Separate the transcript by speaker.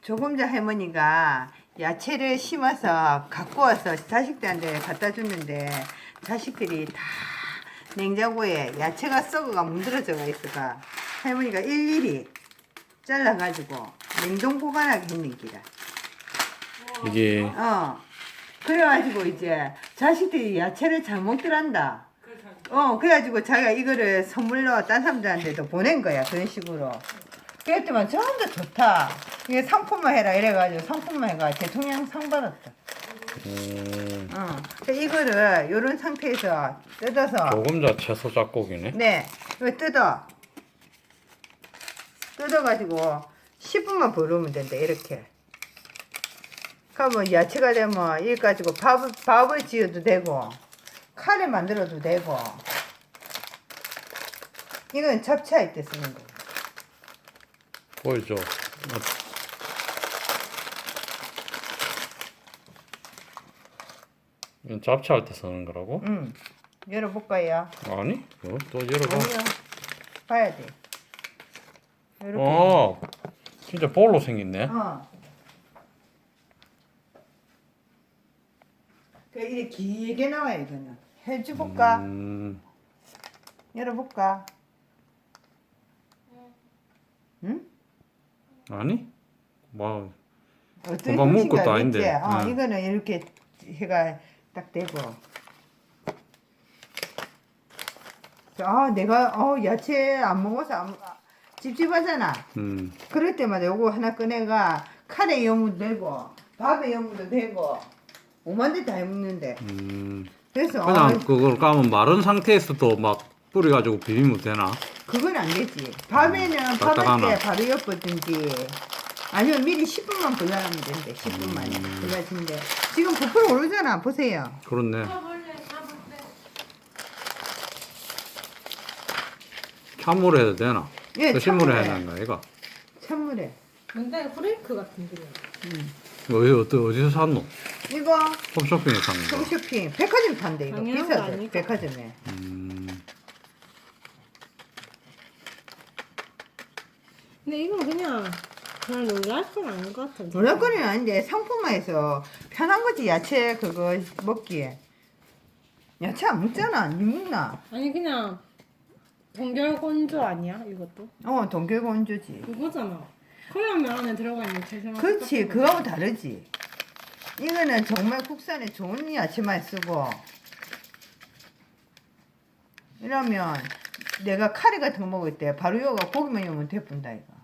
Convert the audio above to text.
Speaker 1: 조금 전 할머니가 야채를 심어서 갖고 와서 자식들한테 갖다 줬는데 자식들이 다 냉장고에 야채가 썩어가 문드러져가 있어가 할머니가 일일이 잘라가지고 냉동 보관하게 했는 기라.
Speaker 2: 이게
Speaker 1: 그래가지고 이제 자식들이 야채를 잘 먹더란다. 그래가지고 자기가 이거를 선물로 딴 사람들한테도 보낸 거야. 그런 식으로. 그랬더만 전부 다 좋다. 이게 상품만 해라 이래가지고 상품만 해가 대통령 상 받았다. 이거를 요런 상태에서 뜯어서
Speaker 2: 조금자 채소 작곡이네.
Speaker 1: 네, 이거 뜯어가지고 10분만 버르면 된다. 이렇게. 그러면 야채가 되면 이거 가지고 밥을 지어도 되고 카레 만들어도 되고. 이건 잡채할 때 쓰는 거.
Speaker 2: 보이죠? 이건 잡채할 때 쓰는 거라고?
Speaker 1: 응. 열어볼까요?
Speaker 2: 아니? 또 열어봐.
Speaker 1: 아니요. 봐야 돼. 이렇게.
Speaker 2: 진짜 볼로 생겼네.
Speaker 1: 이렇게 길게 나와요, 이거는. 해줘볼까? 열어볼까? 응?
Speaker 2: 아니? 뭐
Speaker 1: 어떤
Speaker 2: 금방 먹을 것도 아닌데.
Speaker 1: 이거는 이렇게 해가 딱 되고. 내가 야채 안 먹어서 찝찝하잖아. 그럴 때마다 요거 하나 꺼내가 카레 용무도 되고 밥에 용무도 되고 오만 데 다 해먹는데. 그래서
Speaker 2: 그냥 그걸 까면 마른 상태에서도 막 뿌려가지고 비비면 되나?
Speaker 1: 그건 안 되지. 밤에는 밥할 때 바로 엿보든지 아니면 미리 10분만 불려하면 된대. 10분만 불려진대. 지금 부풀어 오르잖아. 보세요.
Speaker 2: 그렇네. 찬물에 해도 되나?
Speaker 1: 예,
Speaker 2: 신물에
Speaker 1: 찬물에.
Speaker 2: 해야 되는 이거?
Speaker 1: 찬물에.
Speaker 3: 근데 프레이크 같은 게.
Speaker 2: 어디서 샀노?
Speaker 1: 이거
Speaker 2: 홈쇼핑에 산 거.
Speaker 1: 홈쇼핑 백화점 판대 이거.
Speaker 3: 당연한 거
Speaker 1: 비싸죠.
Speaker 3: 아니까.
Speaker 1: 백화점에.
Speaker 3: 근데 이건 그냥 놀랄 건 아닌 것 같아.
Speaker 1: 놀랄 거는 아닌데 상품화해서 편한 거지. 야채 그거 먹기에. 야채 안 먹잖아. 니 먹나?
Speaker 3: 아니 그냥 동결 건조 아니야 이것도?
Speaker 1: 동결건조지.
Speaker 3: 그거잖아. 컵라면 안에 들어가 있는 채소랑
Speaker 1: 그렇지.
Speaker 3: 똑같은
Speaker 1: 그거하고 다르지. 이거는 정말 국산의 좋은 야채만 쓰고 이러면 내가 카레 같은 거 먹을 때 바로 이거가 고기만 넣으면 대뿐다 이거.